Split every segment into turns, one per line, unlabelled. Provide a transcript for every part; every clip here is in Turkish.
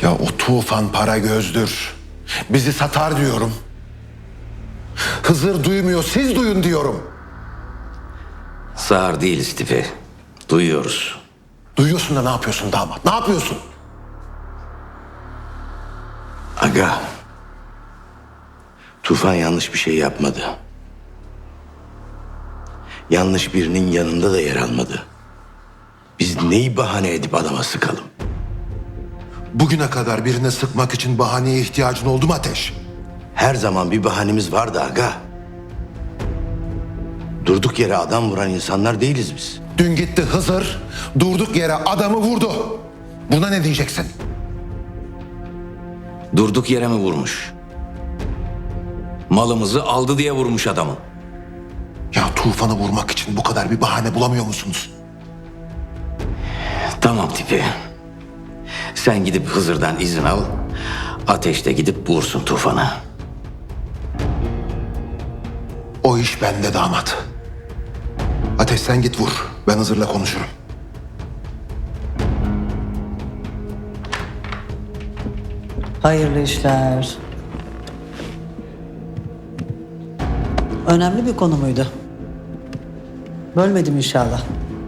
Ya o Tufan para gözdür. Bizi satar diyorum. Hızır duymuyor, siz duyun diyorum.
Sağır değiliz tipi. Duyuyoruz.
Duyuyorsun da ne yapıyorsun damat? Ne yapıyorsun?
Aga. Tufan yanlış bir şey yapmadı. Yanlış birinin yanında da yer almadı. Biz neyi bahane edip adama sıkalım?
Bugüne kadar birine sıkmak için bahaneye ihtiyacın oldu mu Ateş?
Her zaman bir bahanemiz vardı aga. Durduk yere adam vuran insanlar değiliz biz.
Dün gitti Hızır, durduk yere adamı vurdu. Buna ne diyeceksin?
Durduk yere mi vurmuş? Malımızı aldı diye vurmuş adamı.
Ya Tufan'ı vurmak için bu kadar bir bahane bulamıyor musunuz?
Tamam tipi. Sen gidip Hızır'dan izin al. Ateş de gidip vursun Tufan'ı.
O iş bende damat. Ateş sen git vur. Ben Hızır'la konuşurum.
Hayırlı işler. Önemli bir konu muydu? Bölmedim inşallah.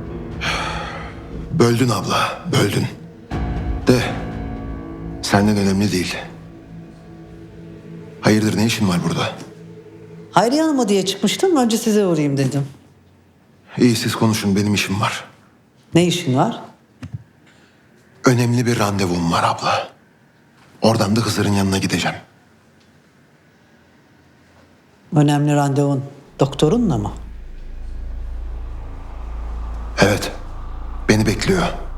Böldün abla, böldün. De senden önemli değil. Hayırdır, ne işin var burada?
Hayriye Hanım'a diye çıkmıştım. Önce size uğrayayım dedim.
İyi siz konuşun, benim işim var.
Ne işin var?
Önemli bir randevum var abla. Oradan da Hızır'ın yanına gideceğim.
Önemli randevun doktorunla mı?
Evet, beni bekliyor.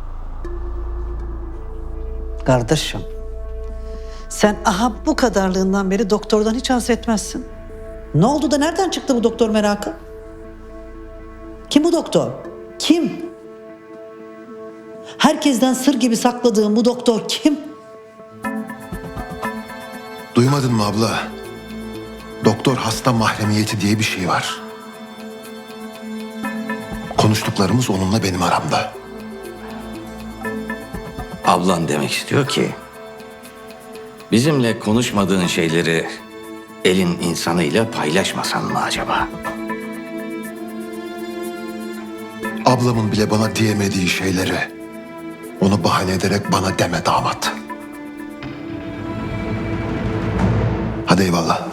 Kardeşim. Sen aha bu kadarlığından beri doktordan hiç haz etmezsin. Ne oldu da nereden çıktı bu doktor merakı? Kim bu doktor? Kim? Herkesten sır gibi sakladığın bu doktor kim?
Duymadın mı abla? Doktor hasta mahremiyeti diye bir şey var. Konuştuklarımız onunla benim aramda.
Ablan demek istiyor ki bizimle konuşmadığın şeyleri elin insanıyla paylaşmasan mı acaba?
Ablamın bile bana diyemediği şeyleri onu bahane ederek bana deme damat. Hadi eyvallah.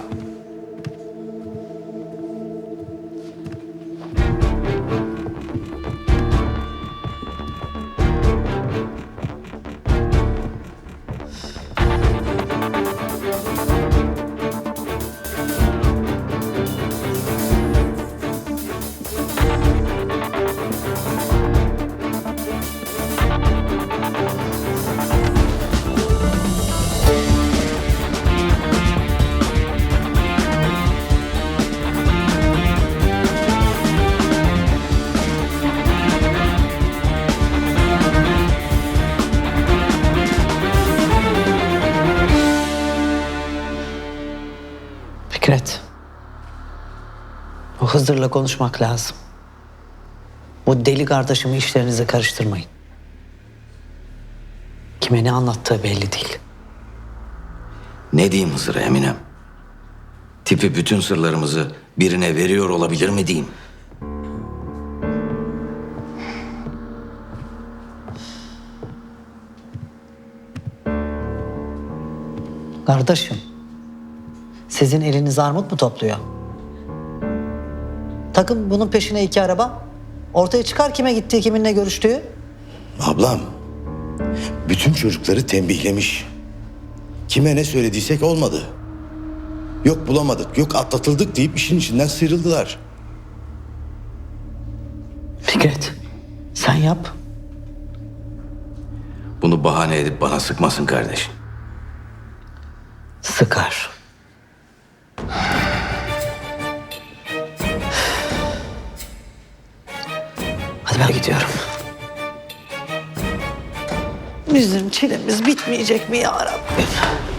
Fikret. O Hızır'la konuşmak lazım. Bu deli kardeşimi işlerinize karıştırmayın. Kime ne anlattığı belli değil.
Ne diyeyim Hızır'a Eminem? Tipi bütün sırlarımızı birine veriyor olabilir mi diyeyim?
Kardeşim, sizin eliniz armut mu topluyor? Takım bunun peşine 2 araba. Ortaya çıkar kime gittiği, kiminle görüştüğü.
Ablam, bütün çocukları tembihlemiş. Kime ne söylediysek olmadı. Yok bulamadık, yok atlatıldık deyip işin içinden sıyrıldılar.
Fikret, sen yap.
Bunu bahane edip bana sıkmasın kardeşim.
Sıkar. Hadi ben gidiyorum. Bizim çilemiz bitmeyecek mi ya Rabbim?